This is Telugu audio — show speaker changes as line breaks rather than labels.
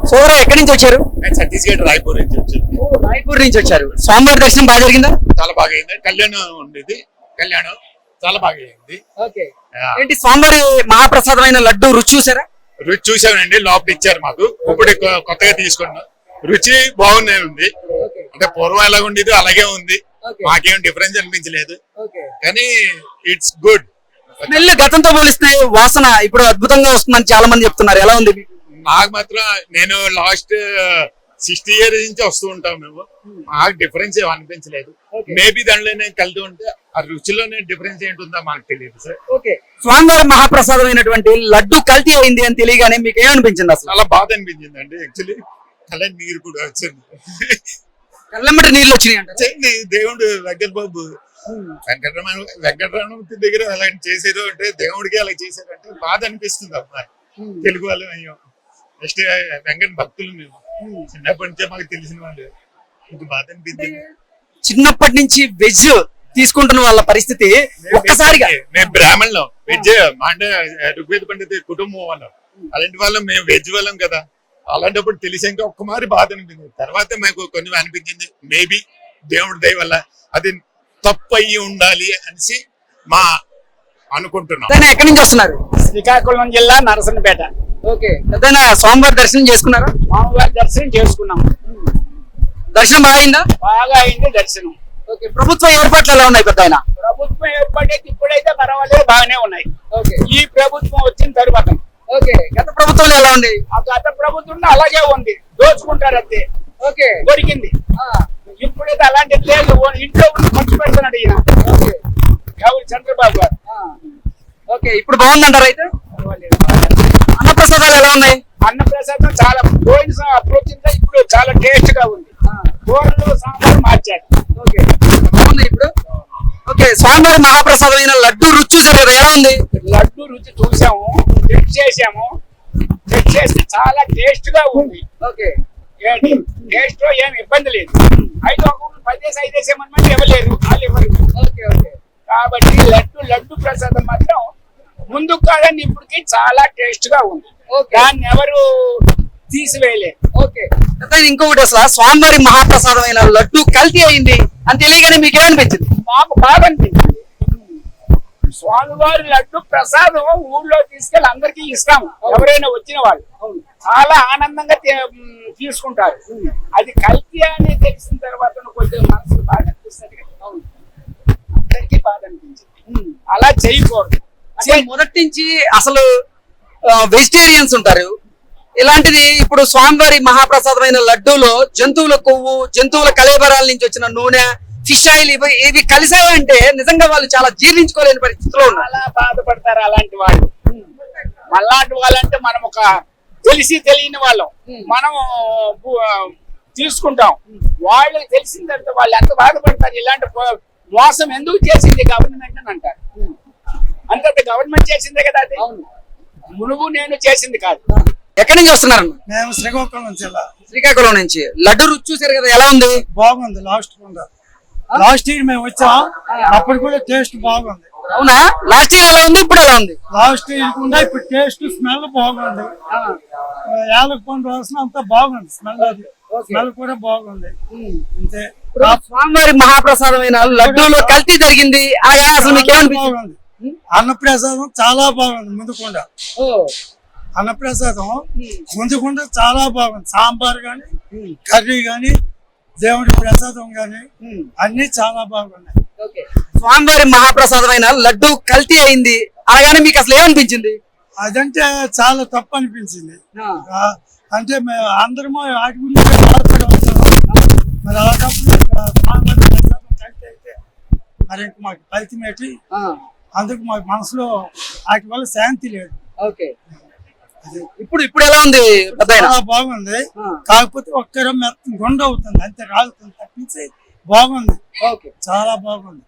సోదరా ఎక్కడి నుంచి వచ్చారు?
ఛత్తీస్గఢ్ రాయ్పూర్ నుంచి వచ్చారు.
రాయ్పూర్ నుంచి వచ్చారు. స్వామివారి దర్శనం బాగా జరిగిందా?
చాలా బాగా అయింది. కళ్యాణం ఉండేది. కళ్యాణం చాలా బాగా అయింది.
ఏంటి స్వామివారి మహాప్రసాదమైన లడ్డు రుచి చూసారా?
రుచి చూసామండి. లోపల ఇచ్చారు మాకు. ఇప్పుడు కొత్తగా తీసుకున్నాం. రుచి బాగునే ఉంది. అంటే పూర్వం ఎలా ఉండేది అలాగే ఉంది. మాకేం డిఫరెన్స్ అనిపించలేదు. కానీ ఇట్స్ గుడ్.
స్మెల్ గతంతో పోలిస్తే వాసన ఇప్పుడు అద్భుతంగా వస్తుందని చాలా మంది చెప్తున్నారు. ఎలా ఉంది?
నాకు మాత్రం నేను లాస్ట్ 60 years నుంచి వస్తూ ఉంటాం మేము. మాకు డిఫరెన్స్ ఏం అనిపించలేదు. మేబీ దాంట్లోనే కలిసి ఉంటే ఆ రుచిలోనే డిఫరెన్స్ ఏంటుందో మాకు తెలియదు సార్.
స్వామివారి మహాప్రసాదమైనటువంటి లడ్డు కల్తీ అయింది అని తెలియగానే మీకు ఏమనిపించింది? అసలు
చాలా బాధ అనిపించింది అండి. యాక్చువల్లీ కళ్ళ నీరు కూడా వచ్చింది.
కళ్ళమ్మటి నీళ్ళు వచ్చినాయి అంటే
దేవుడు వెంకటబాబు వెంకటరమణ దగ్గర అలా చేసారు అంటే దేవుడికి అలా చేశారంటే బాధ అనిపిస్తుంది అమ్మా. తెలుగు వాళ్ళు అయ్యాం. నెక్స్ట్ వెంకట భక్తులు మేము చిన్నప్పటి నుంచే మాకు తెలిసిన వాళ్ళు. ఇంక బాధ అనిపించింది.
చిన్నప్పటి నుంచి వెజ్ తీసుకుంటున్న వాళ్ళ పరిస్థితి ఒక్కసారిగా
మేము బ్రాహ్మణులం. వెజ్ అంటే ఋగ్వేద పండిత కుటుంబం వాళ్ళం. అలాంటి వాళ్ళం మేము వెజ్ వాళ్ళం కదా. అలాంటప్పుడు తెలిసాక ఒక్కమారి బాధ అనిపించింది. తర్వాత మాకు కొన్ని అనిపించింది మేబీ దేవుడి దయ వల్ల అది తప్పు అయ్యి ఉండాలి అనేసి మా అనుకుంటున్నాం.
ఎక్కడి నుంచి వస్తున్నారు?
శ్రీకాకుళం జిల్లా నరసన్నపేట.
స్వామివారి దర్శనం చేసుకున్నారా?
స్వామివారి దర్శనం చేసుకున్నాం.
దర్శనం బాగా అయిందా?
బాగా అయింది దర్శనం.
ప్రభుత్వ ఏర్పాట్లు ఎలా ఉన్నాయి? పెద్ద ఆయన
ప్రభుత్వం ఏర్పాటు ఇప్పుడైతే పర్వాలేదు, బాగానే ఉన్నాయి. ఈ ప్రభుత్వం వచ్చిన తరువాత
గత ప్రభుత్వంలో ఎలా ఉంది?
ఆ గత ప్రభుత్వం అలాగే ఉంది. దోచుకుంటారు అంతే. దొరికింది. ఇప్పుడైతే అలాంటిది లేదు. ఇంట్లో ఉండి ఖర్చు పెడుతున్నాడు ఈయన ఎవరు చంద్రబాబు గారు.
ఇప్పుడు బాగుందంటారు అయితే? అన్నప్రసాదాలు ఎలా ఉన్నాయి?
అన్నప్రసాదం చాలా పోయిన అప్రోచ్ ఇప్పుడు చాలా టేస్ట్ గా ఉంది. కూరలు సాంబార్ మార్చారు.
ఇప్పుడు స్వామివారి మహాప్రసాదమైన లడ్డు రుచి చూసారు కదా, ఎలా ఉంది?
లడ్డు రుచి చూసాము, చెక్ చేసాము. చెక్ చేస్తే చాలా టేస్ట్ గా ఉంది. టేస్ట్ లో ఏమి ఇబ్బంది లేదు. 5 వేసేమని ఇవ్వలేదు, వాళ్ళు ఇవ్వరు. కాబట్టి లడ్డు ప్రసాదం మాత్రం ముందుకు కాదని ఇప్పటికి చాలా టేస్ట్ గా ఉంది. దాన్ని ఎవరు తీసివేయలేదు.
ఇంకొకటి అసలు స్వామివారి మహాప్రసాదమైన లడ్డు కల్తీ అయింది అని తెలియగానే మీకు ఏమనిపించింది?
మాకు బాగా అనిపించింది. స్వామివారి లడ్డు ప్రసాదం ఊళ్ళో తీసుకెళ్ళి అందరికీ ఇస్తాము. ఎవరైనా వచ్చిన వాళ్ళు చాలా ఆనందంగా తీసుకుంటారు. అది కల్తీ అని తెలిసిన తర్వాత కొంచెం మనసుకు బాగా అనిపిస్తుంది. అందరికీ బాగా అనిపించింది. అలా చేయకూడదు.
మొదటి నుంచి అసలు వెజిటేరియన్స్ ఉంటారు. ఇలాంటిది ఇప్పుడు స్వామివారి మహాప్రసాదమైన లడ్డూలో జంతువుల కొవ్వు, జంతువుల కళేబరాల నుంచి వచ్చిన నూనె, ఫిష్ ఆయిల్ ఇవి కలిసాయంటే నిజంగా వాళ్ళు చాలా జీర్ణించుకోలేని పరిస్థితిలో ఉన్నారు.
చాలా బాధపడతారు అలాంటి వాళ్ళు. అలాంటి వాళ్ళంటే మనం ఒక తెలిసి తెలియని వాళ్ళం మనం తీసుకుంటాం. వాళ్ళకి తెలిసిన తర్వాత వాళ్ళు ఎంత బాధపడతారు. ఇలాంటి మోసం ఎందుకు చేసింది గవర్నమెంట్ అని అంటారు. అంత గవర్నమెంట్ చేసిందే కదా. అది మునుగు నేను చేసింది కాదు.
ఎక్కడి నుంచి వస్తున్నారు?
మేము శ్రీకాకుళం జిల్లా.
శ్రీకాకుళం నుంచి. లడ్డు రుచి చూసారు కదా, ఎలా ఉంది?
బాగుంది. లాస్ట్ ఇయర్ మేము వచ్చాం, అప్పుడు కూడా టేస్ట్ బాగుంది.
అవునా? లాస్ట్ ఇయర్ ఎలా ఉంది, ఇప్పుడు ఎలా ఉంది?
లాస్ట్ ఇయర్ కూడా ఇప్పుడు టేస్ట్ స్మెల్ బాగుంది. యాలకుపండు వాసన అంతా బాగుంది. స్మెల్ కూడా బాగుంది. అంతే.
స్వామివారి మహాప్రసాదమైన లడ్డూలో కల్తీ జరిగింది అసలు మీకు ఏమనిపించింది?
అన్నప్రసాదం చాలా బాగుంది. ముందుకుండా అన్నప్రసాదం ముందుకుండా చాలా బాగుంది. సాంబార్ గాని, కర్రీ గాని, దేవుడి ప్రసాదం గాని అన్ని చాలా బాగున్నాయి.
స్వామివారి మహాప్రసాదమైన లడ్డు కల్తీ అయింది అనగానే మీకు అసలు ఏమనిపించింది?
అదంటే చాలా తప్పు అనిపించింది. అంటే మేము అందరము వాటి గురించి బాధపడి వచ్చాము. మరి అలాంటప్పుడు స్వామివారి ప్రసాదం కల్తీ అయితే మరి ఇంక మాకు ఫలితం ఏంటి? అందుకు మాకు మనసులో వాటి వల్ల శాంతి లేదు.
ఇప్పుడు ఎలా ఉంది?
చాలా బాగుంది. కాకపోతే ఒక్కరం గుండె అవుతుంది అంతే, రాలుతుంది తప్పించి బాగుంది. చాలా బాగుంది.